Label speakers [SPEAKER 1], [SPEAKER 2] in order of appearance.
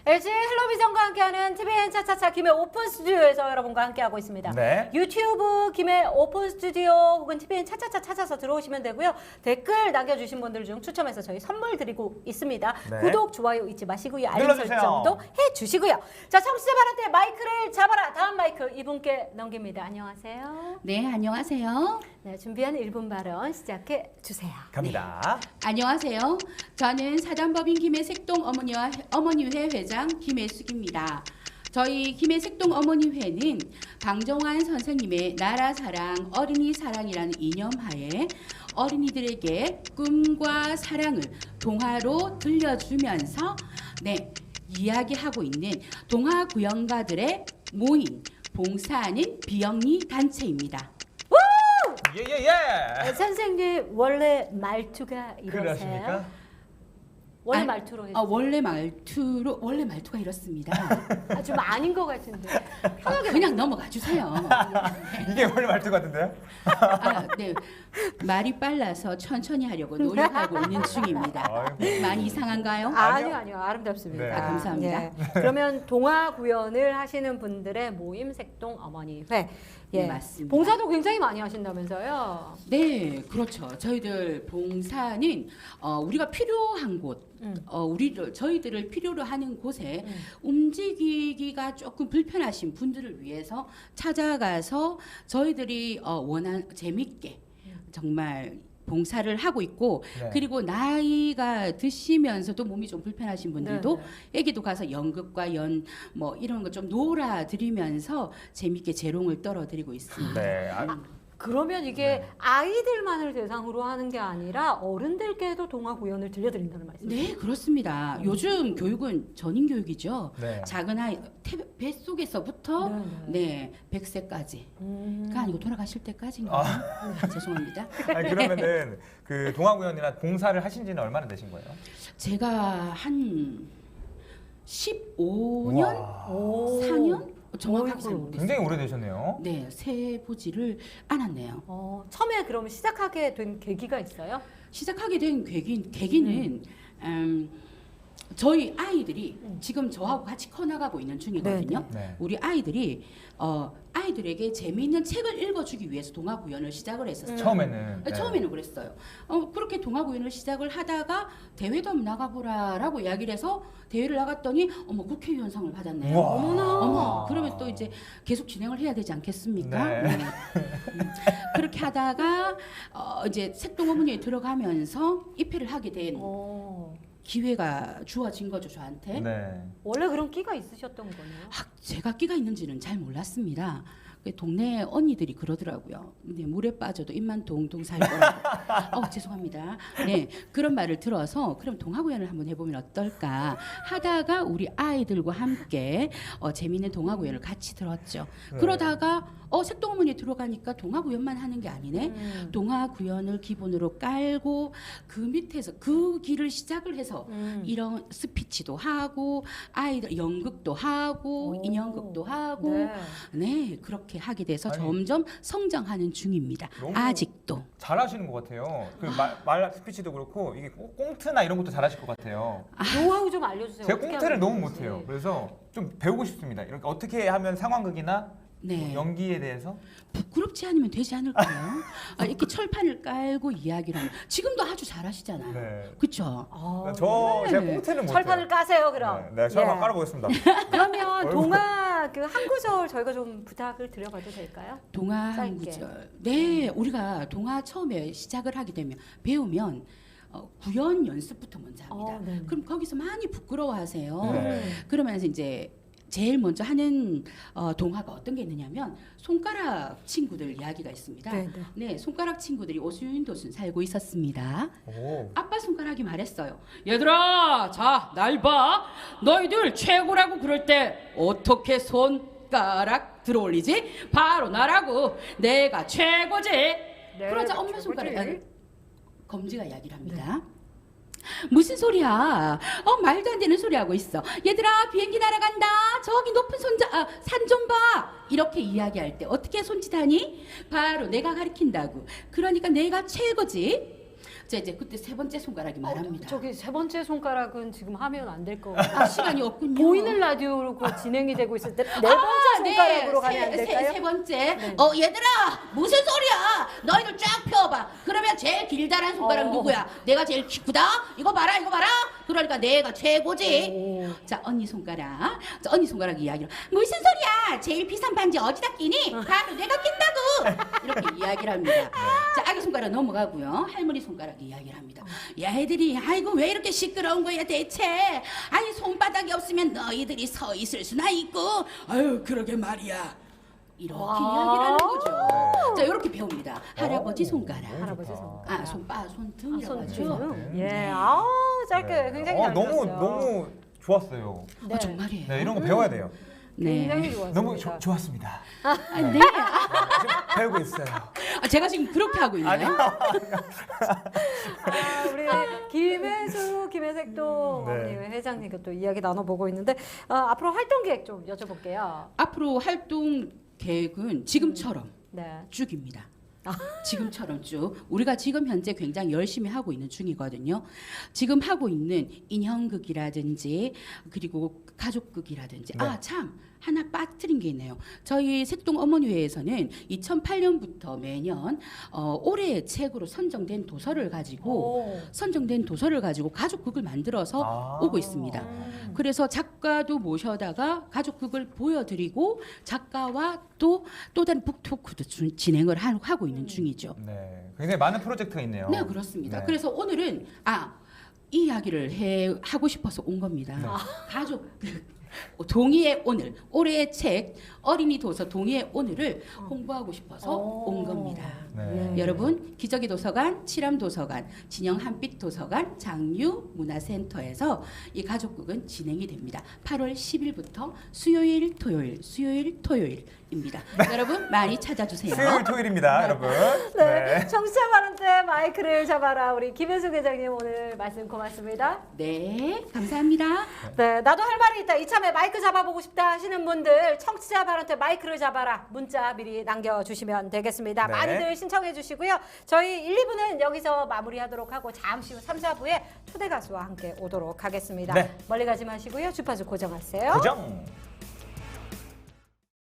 [SPEAKER 1] LG 헬로비전과 함께하는 TVN 차차차 김해 오픈 스튜디오에서 여러분과 함께하고 있습니다.
[SPEAKER 2] 네.
[SPEAKER 1] 유튜브 김해 오픈 스튜디오 혹은 TVN 차차차 찾아서 들어오시면 되고요. 댓글 남겨주신 분들 중 추첨해서 저희 선물 드리고 있습니다.
[SPEAKER 2] 네.
[SPEAKER 1] 구독, 좋아요 잊지 마시고요. 알림
[SPEAKER 2] 눌러주세요.
[SPEAKER 1] 설정도 해주시고요. 자, 청취자분한테 마이크를 잡아라. 다음 마이크 이분께 넘깁니다. 안녕하세요.
[SPEAKER 3] 네, 안녕하세요.
[SPEAKER 1] 네, 준비한 1분 발언 시작해 주세요.
[SPEAKER 2] 갑니다.
[SPEAKER 3] 안녕하세요. 저는 사단법인 김해색동 어머니회 회장 김혜숙입니다. 저희 김해색동 어머니회는 방정환 선생님의 나라사랑, 어린이사랑이라는 이념하에 어린이들에게 꿈과 사랑을 동화로 들려주면서 이야기하고 있는 동화구연가들의 모임, 봉사하는 비영리 단체입니다.
[SPEAKER 2] 예예예.
[SPEAKER 1] 선생님 원래 말투가 이러세요?
[SPEAKER 2] 그러십니까?
[SPEAKER 1] 원래
[SPEAKER 3] 아니,
[SPEAKER 1] 말투로 해주세요.
[SPEAKER 3] 원래 말투가 이렇습니다.
[SPEAKER 1] 좀 아닌 것 같은데. 편하게
[SPEAKER 3] 그냥 넘어가 주세요.
[SPEAKER 2] 이게 원래 말투 같은데요?
[SPEAKER 3] 네. 말이 빨라서 천천히 하려고 노력하고 있는 중입니다.
[SPEAKER 2] 아이고.
[SPEAKER 3] 많이 이상한가요?
[SPEAKER 1] 아니요. 아름답습니다.
[SPEAKER 2] 네.
[SPEAKER 3] 감사합니다.
[SPEAKER 1] 예. 그러면 동화 구연을 하시는 분들의 모임 색동 어머니회. 예.
[SPEAKER 3] 네, 맞습니다.
[SPEAKER 1] 봉사도 굉장히 많이 하신다면서요?
[SPEAKER 3] 네, 그렇죠. 저희들 봉사는 우리가 필요한 곳, 저희들을 필요로 하는 곳에 움직이기가 조금 불편하신 분들을 위해서 찾아가서 저희들이 재밌게 정말 봉사를 하고 있고,
[SPEAKER 2] 네.
[SPEAKER 3] 그리고 나이가 드시면서도 몸이 좀 불편하신 분들도 애기도 가서 연극과 이런 거 좀 놀아드리면서 재밌게 재롱을 떨어드리고 있습니다.
[SPEAKER 2] 네.
[SPEAKER 1] 그러면 이게 아이들만을 대상으로 하는 게 아니라 어른들께도 동화 구연을 들려드린다는 말씀이세요?
[SPEAKER 3] 네, 그렇습니다. 요즘 교육은 전인 교육이죠.
[SPEAKER 2] 네.
[SPEAKER 3] 작은 아이 뱃속에서부터
[SPEAKER 1] 네.
[SPEAKER 3] 100세까지. 가 아니고 돌아가실 때까지인가요? 네, 죄송합니다.
[SPEAKER 2] 아니, 그러면은 그 동화구연이나 봉사를 하신 지는 얼마나 되신 거예요?
[SPEAKER 3] 제가 한 15년,
[SPEAKER 2] 와,
[SPEAKER 1] 오.
[SPEAKER 3] 4년 정확하게 잘
[SPEAKER 1] 어이구.
[SPEAKER 3] 모르겠어요.
[SPEAKER 2] 굉장히 오래되셨네요.
[SPEAKER 3] 네, 세보지를 않았네요.
[SPEAKER 1] 처음에 그러면 시작하게 된 계기가 있어요?
[SPEAKER 3] 시작하게 된 계기는 저희 아이들이 지금 저하고 같이 커나가고 있는 중이거든요.
[SPEAKER 2] 네.
[SPEAKER 3] 우리 아이들이 아이들에게 재미있는 책을 읽어주기 위해서 동화 구연을 시작을 했었어요.
[SPEAKER 2] 처음에는. 네.
[SPEAKER 3] 처음에는 그랬어요. 그렇게 동화 구연을 시작을 하다가 대회도 한번 나가보라라고 이야기를 해서 대회를 나갔더니 국회의원상을 받았네요.
[SPEAKER 2] 우와.
[SPEAKER 1] 어머나.
[SPEAKER 3] 그러면 또 이제 계속 진행을 해야 되지 않겠습니까?
[SPEAKER 2] 네.
[SPEAKER 3] 그렇게 하다가 이제 색동 어머니에 들어가면서 입회를 하게 된 기회가 주어진 거죠, 저한테.
[SPEAKER 2] 네.
[SPEAKER 1] 원래 그런 끼가 있으셨던 거네요?
[SPEAKER 3] 제가 끼가 있는지는 잘 몰랐습니다. 동네 언니들이 그러더라고요. 네, 물에 빠져도 입만 동동 살 거라고. 죄송합니다. 네, 그런 말을 들어서 그럼 동화구연을 한번 해보면 어떨까 하다가 우리 아이들과 함께 재미있는 동화구연을 같이 들었죠.
[SPEAKER 2] 네.
[SPEAKER 3] 그러다가 색동 어머니에 들어가니까 동화구연만 하는 게 아니네. 동화구연을 기본으로 깔고 그 밑에서 그 길을 시작을 해서 이런 스피치도 하고 아이들 연극도 하고 인형극도 하고 네, 그렇게 하게 돼서
[SPEAKER 2] 아니,
[SPEAKER 3] 점점 성장하는 중입니다.
[SPEAKER 2] 너무
[SPEAKER 3] 아직도.
[SPEAKER 2] 잘하시는 것 같아요. 그 말 스피치도 그렇고 이게 꽁트나 이런 것도 잘하실 것 같아요.
[SPEAKER 1] 노하우 좀 알려주세요.
[SPEAKER 2] 제가
[SPEAKER 1] 어떻게
[SPEAKER 2] 꽁트를
[SPEAKER 1] 하면
[SPEAKER 2] 너무
[SPEAKER 1] 되는지.
[SPEAKER 2] 못해요. 그래서 좀 배우고 싶습니다. 이렇게 어떻게 하면 상황극이나
[SPEAKER 3] 네.
[SPEAKER 2] 연기에 대해서
[SPEAKER 3] 부끄럽지 않으면 되지 않을까요? 이렇게 철판을 깔고 이야기를 하면 지금도 아주 잘하시잖아요.
[SPEAKER 2] 네.
[SPEAKER 3] 그렇죠?
[SPEAKER 2] 제가 꽁트는 못해요.
[SPEAKER 1] 철판을 까세요, 그럼.
[SPEAKER 2] 네, 철판
[SPEAKER 1] 예.
[SPEAKER 2] 깔아보겠습니다.
[SPEAKER 1] 그러면 동화 그 한 구절 저희가 좀 부탁을 드려봐도 될까요?
[SPEAKER 3] 동화 한
[SPEAKER 1] 짧게.
[SPEAKER 3] 구절. 네, 우리가 동화 처음에 시작을 하게 되면 배우면 구연 연습부터 먼저 합니다.
[SPEAKER 1] 네네.
[SPEAKER 3] 그럼 거기서 많이 부끄러워하세요.
[SPEAKER 2] 네.
[SPEAKER 3] 그러면서 이제 제일 먼저 하는 동화가 어떤 게 있느냐면 손가락 친구들 이야기가 있습니다. 네, 손가락 친구들이 오순도순 살고 있었습니다.
[SPEAKER 2] 오.
[SPEAKER 3] 아빠 손가락이 말했어요. 얘들아, 자, 날 봐. 너희들 최고라고 그럴 때 어떻게 손가락 들어올리지? 바로 나라고. 내가 최고지. 그러자 엄마 손가락 검지가 이야기를 합니다. 무슨 소리야? 말도 안 되는 소리 하고 있어. 얘들아, 비행기 날아간다. 저기 높은 산 좀 봐. 이렇게 이야기할 때 어떻게 손짓하니? 바로 내가 가리킨다고. 그러니까 내가 최고지. 자 이제 그때 세 번째 손가락이 말합니다.
[SPEAKER 1] 저기 세 번째 손가락은 지금 하면 안 될 것 같아요.
[SPEAKER 3] 아 시간이 없군요.
[SPEAKER 1] 보이는 라디오로 그 진행이 되고 있을 때 네 번째 손가락으로 가면 안 될까요?
[SPEAKER 3] 세 번째.
[SPEAKER 1] 네.
[SPEAKER 3] 얘들아 무슨 소리야? 너희들 쫙 펴봐. 그러면 제일 길다란 손가락 누구야? 내가 제일 크다. 이거 봐라. 그러니까 내가 최고지. 자 언니 손가락. 자 언니 손가락 이야기를. 무슨 소리야? 제일 비싼 반지 어디다 끼니? 바로 내가 낀다고. 이렇게 이야기를 합니다. 자 아기 손가락 넘어가고요. 할머니 손가락 이야기를 합니다. 야 애들이 아이고 왜 이렇게 시끄러운 거야 대체? 아니 손바닥이 없으면 너희들이 서 있을 수나 있고. 아유 그러게 말이야. 이렇게 이야기를 하는 거죠. 자 이렇게 배웁니다. 할아버지 손가락.
[SPEAKER 1] 할아버지 손가락.
[SPEAKER 3] 손등이라고 하죠.
[SPEAKER 1] 손등. 예.
[SPEAKER 2] 네.
[SPEAKER 1] 짧게 굉장히 잘
[SPEAKER 2] 너무
[SPEAKER 1] 들었어요.
[SPEAKER 2] 너무 좋았어요.
[SPEAKER 1] 네.
[SPEAKER 3] 정말이에요.
[SPEAKER 2] 네, 이런 거 배워야 돼요.
[SPEAKER 1] 굉장히 좋았습니다.
[SPEAKER 2] 너무 좋았습니다.
[SPEAKER 3] 네.
[SPEAKER 2] 지금 배우고 있어요.
[SPEAKER 3] 제가 지금 그렇게 하고 있나요?
[SPEAKER 1] 우리 김혜색동
[SPEAKER 2] 네.
[SPEAKER 1] 어머니 회장님과 또 이야기 나눠보고 있는데 앞으로 활동 계획 좀 여쭤볼게요.
[SPEAKER 3] 앞으로 활동 계획은 지금처럼
[SPEAKER 1] 네.
[SPEAKER 3] 쭉입니다. 지금처럼 쭉 우리가 지금 현재 굉장히 열심히 하고 있는 중이거든요. 지금 하고 있는 인형극이라든지 그리고 가족극이라든지
[SPEAKER 2] 네.
[SPEAKER 3] 참 하나 빠뜨린 게 있네요. 저희 색동 어머니회에서는 2008년부터 매년 올해의 책으로 선정된 도서를 가지고 가족극을 만들어서 오고 있습니다. 그래서 작가도 모셔다가 가족극을 보여드리고 작가와 또 다른 북토크도 진행을 하고 있는 중이죠.
[SPEAKER 2] 네, 굉장히 많은 프로젝트가 있네요.
[SPEAKER 3] 네, 그렇습니다.
[SPEAKER 2] 네.
[SPEAKER 3] 그래서 오늘은 이 이야기를 하고 싶어서 온 겁니다.
[SPEAKER 2] 네.
[SPEAKER 3] 가족극 동의의 오늘, 올해의 책 어린이 도서 동의의 오늘을 홍보하고 싶어서 온 겁니다.
[SPEAKER 2] 네.
[SPEAKER 3] 여러분 기저귀 도서관, 칠암 도서관, 진영 한빛 도서관, 장유 문화센터에서 이 가족극은 진행이 됩니다. 8월 10일부터 수요일, 토요일입니다. 여러분 많이 찾아주세요.
[SPEAKER 2] 수요일, 토요일입니다, 여러분.
[SPEAKER 1] 네. 청취자 발언 때 마이크를 잡아라. 우리 김혜숙 회장님 오늘 말씀 고맙습니다.
[SPEAKER 3] 네, 감사합니다.
[SPEAKER 1] 네, 나도 할 말이 있다. 이참에 마이크 잡아보고 싶다 하시는 분들 청취자 발언 때 마이크를 잡아라. 문자 미리 남겨주시면 되겠습니다.
[SPEAKER 2] 네.
[SPEAKER 1] 많이들 신청해 주시고요. 저희 1, 2부는 여기서 마무리하도록 하고 잠시 후 3, 4부에 초대 가수와 함께 오도록 하겠습니다.
[SPEAKER 2] 네.
[SPEAKER 1] 멀리 가지 마시고요. 주파수 고정하세요.
[SPEAKER 2] 고정.